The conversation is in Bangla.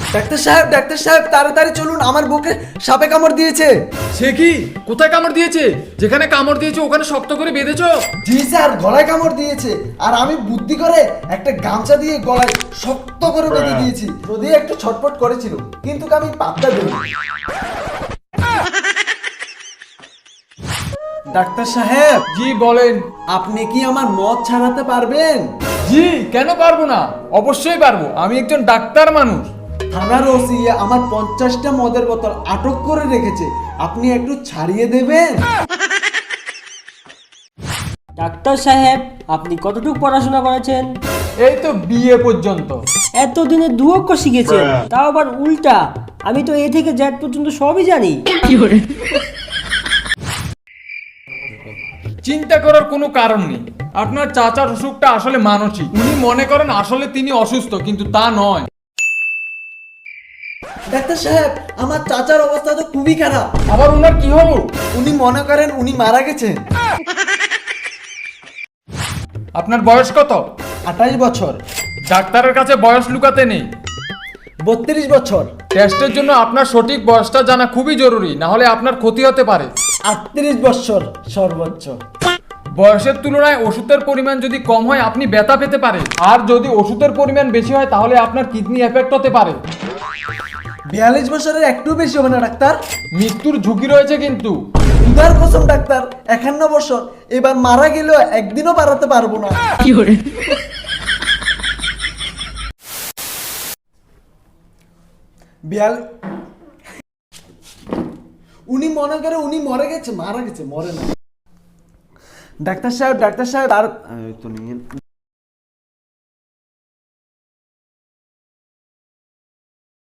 ডাক্তার সাহেব তাড়াতাড়ি চলুন, আমার বুকে সাপে কামড় দিয়েছে। সে কি? কোথায় কামড় দিয়েছে? যেখানে কামড় দিয়েছে ওখানে শক্ত করে বেঁধেছো? জি স্যার, গলায় কামড় দিয়েছে, আর আমি বুদ্ধি করে একটা গামছা দিয়ে গলায় শক্ত করে বেঁধে দিয়েছি। যদি একটু ছটফট করেছিল, কিন্তু আমি পাত্তা দিই। ডাক্তার সাহেব, জি বলেন। আপনি কি আমার মদ ছাড়াতে পারবেন? জি, কেন পারবো না? অবশ্যই পারবো, আমি একজন ডাক্তার মানুষ। থানার ওসি আমার 50টা মদের বোতল আটক করে রেখেছে, আপনি একটু ছাড়িয়ে দেবেন? ডাক্তার সাহেব, আপনি কতটুকু পড়াশোনা করেছেন? এই তো বিএ পর্যন্ত। এতদিনে 2 অক্ষর শিখেছেন, তাও আবার উল্টা। আমি তো এ থেকে জেড পর্যন্ত সবই জানি। চিন্তা করার কোনো কারণ নেই। আপনার চাচার অসুখটা আসলে মানসিক। উনি মনে করেন আসলে তিনি অসুস্থ, কিন্তু তা নয়। ডাক্তার সাহেব, আমার চাচার অবস্থা তো খুবই খারাপ। আবার ওনার কি হলো? উনি মনে করেন উনি মারা গেছেন। আপনার বয়স কত? 28 বছর। ডাক্তারের কাছে বয়স লুকাতে নেই। 32 বছর। টেস্টের জন্য আপনার সঠিক বয়সটা জানা খুবই জরুরি, না হলে আপনার ক্ষতি হতে পারে। 38 বছর সর্বোচ্চ। বয়সের তুলনায় ওষুধের পরিমাণ যদি কম হয় আপনি ব্যথা পেতে পারে, আর যদি ওষুধের পরিমাণ বেশি হয় তাহলে আপনার কিডনি এফেক্ট হতে পারে। 42 বছরের একটু বেশি হবে না ডাক্তার? মৃত্যুর ঝুঁকি রয়েছে কিন্তু। উদার কসম ডাক্তার, 51 বছর, এবার মারা গেলেও একদিনও বাড়াতে পারবো না। উনি মনে করে উনি মরে গেছে, মারা গেছে, মরে না। ডাক্তার সাহেব আর তো নেই।